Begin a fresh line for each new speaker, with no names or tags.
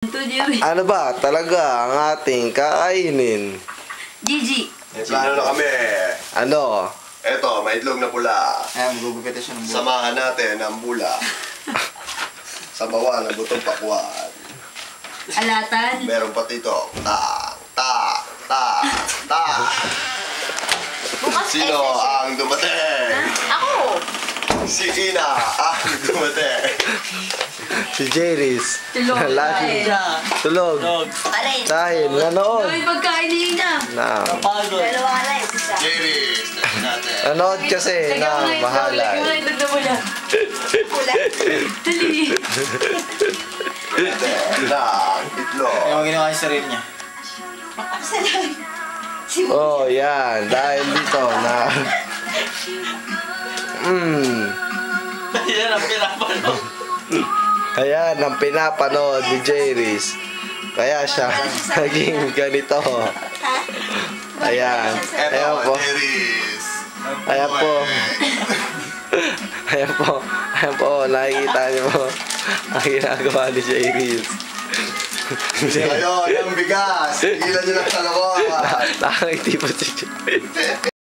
to, Jerry.
Ano ba talaga ang ating kakainin?
Gigi.
May plano na kami.
Ano?
Eto, may itlog na pula.
Ayan, magugupit siya ng buhay.
Samahan natin ang bula. Sabawan ng butong pakwan.
Alatan.
Meron pa dito. Ta.
Bukas
Sino ang dumating?
Ako.
Si Ina ang dumating.
Si Jerry's.
Tulog.
Lagi. Tulog.
Alay.
Dahil nanood.
Gawin pagkain ni Ina.
Na.
Dalawa alay. Isa.
Jerry, natin.
Nanood kasi na mahalay.
Lagyan mo na itlog na mula. Kulay. Dali.
Ng itlog.
Yung ginawa yung sarili niya.
Salamat.
Oh, yan. Dahil dito na...
Yan ang pinapanood.
Ayan ang pinapanood ni Jerry's. Kaya siya naging ganito. Ayan. Ayan
Eto,
po.
Jerry's.
Ayan po. Ayan po. Ayan po. Nakikita niyo po ang ginagawa ni Jerry's.
Ayun, ang bigas. Tigilan nyo ng kalokohan.
Nakangiti po si Jerry's.